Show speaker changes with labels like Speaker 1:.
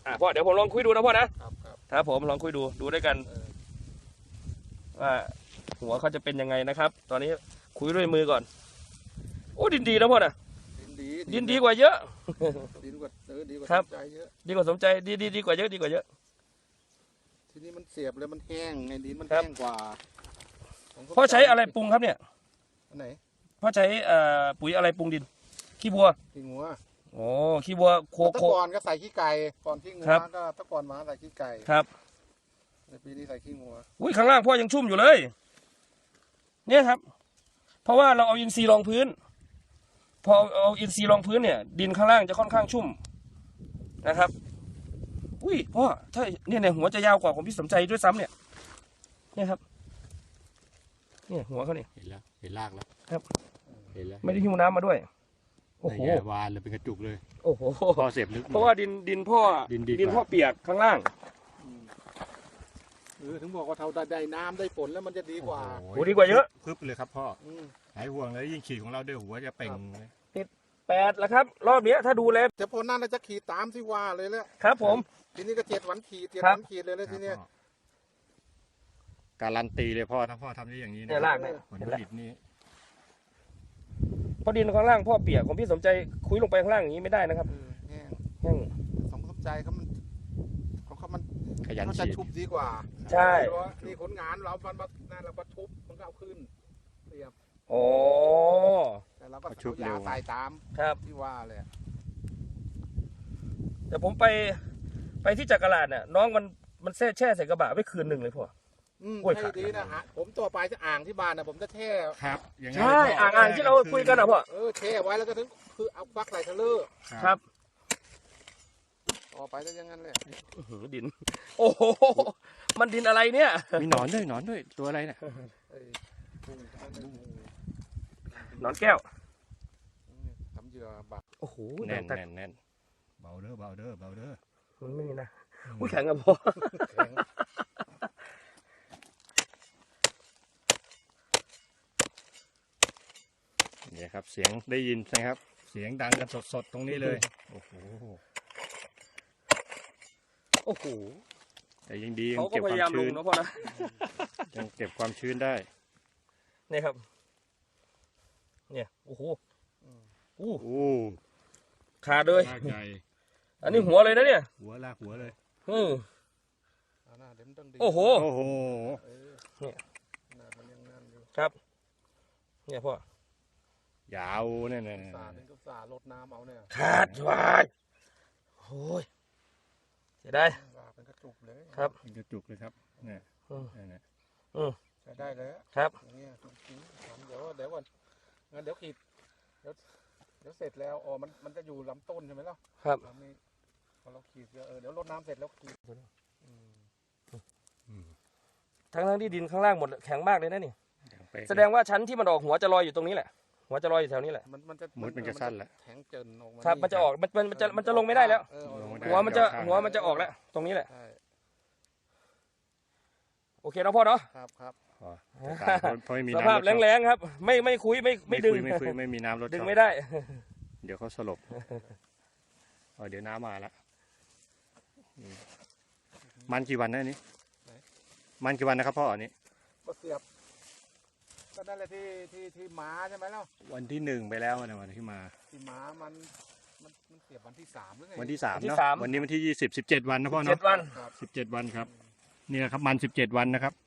Speaker 1: พ่อเดี๋ยวผมลองคุยดูนะพ่อนะ
Speaker 2: ครับ
Speaker 1: ครับผมลองคุยดูด้วยกันว่าหัวเขาจะเป็นยังไงนะครับ ตอนนี้คุยด้วยมือก่อนโอ้ดินดีนะพ่อนะดินดีกว่าเยอะ
Speaker 2: ดีกว่าดีกว่าสมใจเยอะ
Speaker 1: ดีกว่าสมใจดีกว่าเยอะดีกว่าเยอะ
Speaker 2: ทีนี้มันเสียบเลยมันแห้งไงดินมันแห้งกว่า
Speaker 1: พ่อใช้อะไรปรุงครับเนี่ย
Speaker 2: อันไหน
Speaker 1: พ่อใช้ปุ๋ยอะไรปรุงดินขี้วัวโอ้ขี้วัวโค
Speaker 2: ก่อนก็ใส่ขี้ไก่ก่อนขี้งัวก็ตะก่อนมาใส่ขี้ไก่
Speaker 1: ครับ
Speaker 2: ในปีนี้ใส่ขี้งัว
Speaker 1: อุ้ยข้างล่างพ่อยังชุ่มอยู่เลยเนี่ยครับเพราะว่าเราเอาอินทรีย์รองพื้นพอเอาอินทรีย์รองพื้นเนี่ยดินข้างล่างจะค่อนข้างชุ่มนะครับอุ้ยพ่อถ้าเนี่ยหัวจะยาวกว่าของพี่สมใจด้วยซ้ำเนี่ยครับเนี่ยหัวเขาเนี่ย
Speaker 3: เห็นแล้วเห็นรากแล้ว
Speaker 1: ครับ
Speaker 3: เห็นแล้ว
Speaker 1: ไม่ได้หิ้วน้ำมาด้วยโอ้โห
Speaker 3: วานเลยเป็นกระจุกเลย
Speaker 1: โอ้โห
Speaker 3: พ่อเสียบลึก
Speaker 1: เพราะว่าดินพ่อเปียกข้างล่าง
Speaker 2: ถึงบอกว่าเท่าได้น้ำได้ฝนแล้วมันจะดีกว่า
Speaker 1: โอ้ดีกว่าเยอะ
Speaker 3: พึบเลยครับพ่อหายห่วงเลยยิ่งขีดของเราด้วยหัวจะเป่ง
Speaker 1: ติด8แล้วครับรอบนี้ถ้าดูแล
Speaker 2: จะพ้นนั่นเราจะขีดตามที่ว่าเลยแล้ว
Speaker 1: ครับผม
Speaker 2: ทีนี้ก็7 วันขีดเลยทีนี้
Speaker 3: การันตีเลยพ่อถ้าพ่อทำได้อย่างนี้นะ
Speaker 1: รากเนี่ย
Speaker 3: ผลผลิตนี้
Speaker 1: พอดินข้างล่างพ่อเปียกของพี่สมใจคุยลงไปข้างล่างอย่างนี้ไม่ได้นะครับ
Speaker 2: แห้งสมใจเขามัน
Speaker 3: ขยัน
Speaker 2: ฉีดชุบดีกว่า
Speaker 1: ใช่
Speaker 2: นี่ผลงานเรานั่นเราก็ชุบมันก็เอาขึ้นเรียบ
Speaker 1: โอ้
Speaker 2: แต่เราก็ชุบยาใส่ตามที่ว่าเลย
Speaker 1: แต่ผมไปที่จักราชเนี่ยน้องมันแช่ใส่กระบะไว้คืนหนึ่งเลยพ่อ
Speaker 2: ใช่ดีนะฮะผมตัวไปจะอ่างที่บ้านนะผมจะแช่
Speaker 3: ครับ
Speaker 1: ใช่อ่างที่เราคุยกันนะพ่อ
Speaker 2: แช่ไว้แล้วก็ถึงคือเอาฟักใส่ทะเล
Speaker 1: ครับ
Speaker 2: ต่อไปจะยังงั้นเลย
Speaker 1: ดินโอ้โหมันดินอะไรเนี่ย
Speaker 3: มีหนอนด้วยตัวอะไรเนี่ย
Speaker 1: หนอนแก้ว
Speaker 2: ทำเหยื่อบัก
Speaker 1: โอ้โห
Speaker 3: แน่นเบาเด้อ
Speaker 1: มันไม่มีนะอุ้ยแข็งอะพ่อ
Speaker 3: นี่ครับเสียงได้ยินนะครับเสียงดังกันสดๆตรงนี้เลยโอ้โหแต่ยังดียังเก็บความชื้น
Speaker 1: นะพ่อนะ
Speaker 3: ยังเก็บความชื้นได้
Speaker 1: นี่ครับเนี่ยโอ้โหขาดเลยอันนี้หัวเลยนะเนี่ย
Speaker 3: ลากหัวเลย
Speaker 1: โอ้โหเนี่ยครับเนี่ยพ่อย
Speaker 3: าวเนี่ย
Speaker 2: สาลดน้ำเอาเนี่ย
Speaker 1: ขาดวายโอ้ยเสียดาย
Speaker 2: เป็นกระจุกเลย
Speaker 1: ครับ
Speaker 3: เป็นกระจุกเลยครับเนี่ย
Speaker 2: ใช้ได้เลย
Speaker 1: ครับ
Speaker 2: เดี๋ยวก่อนงั้นเดี๋ยวขีดเดี๋ยวเสร็จแล้วมันจะอยู่ลำต้นใช่ไหมล่ะ
Speaker 1: ครับ
Speaker 2: นี่พอเราขีดเดี๋ยวรดน้ำเสร็จแล้วขีด
Speaker 1: ทั้งที่ดินข้างล่างหมดแข็งมากเลยนะนี่แสดงว่าชั้นที่มันออกหัวจะลอยอยู่ตรงนี้แหละหัวจะลอยอยู่แถวนี้แหละ
Speaker 3: มันจะสั้นแล้ว
Speaker 2: แข็งเจินออกมา
Speaker 1: ครับมันจะออกมันจะลงไม่ได้แล้วหัวมันจะออกแล้วตรงนี้แหละโอเคนะพ่อเนาะ
Speaker 2: ครับ
Speaker 1: สภาพแรงๆครับไม่คุยไม่ดึง
Speaker 3: ไม่มีน้ำรด
Speaker 1: ดึงไม่ได้
Speaker 3: เดี๋ยวเขาสลบเดี๋ยวน้ำมาแล้วมันกี่วันนะนี่มันกี่วันนะครับพ่ออันนี้
Speaker 2: ก็เสียบก็นั่นแหละที่ม้าใช่ไหมล่ะ
Speaker 3: วันที่1ไปแล้วนะวันที่ม้า
Speaker 2: มันเสียบวันที่3หรือไง
Speaker 3: วันที่3เนาะวันนี้วันที่20 17 วันนะพ่อเนาะ17 วันครับนี่แหละครับมัน17 วันนะครับ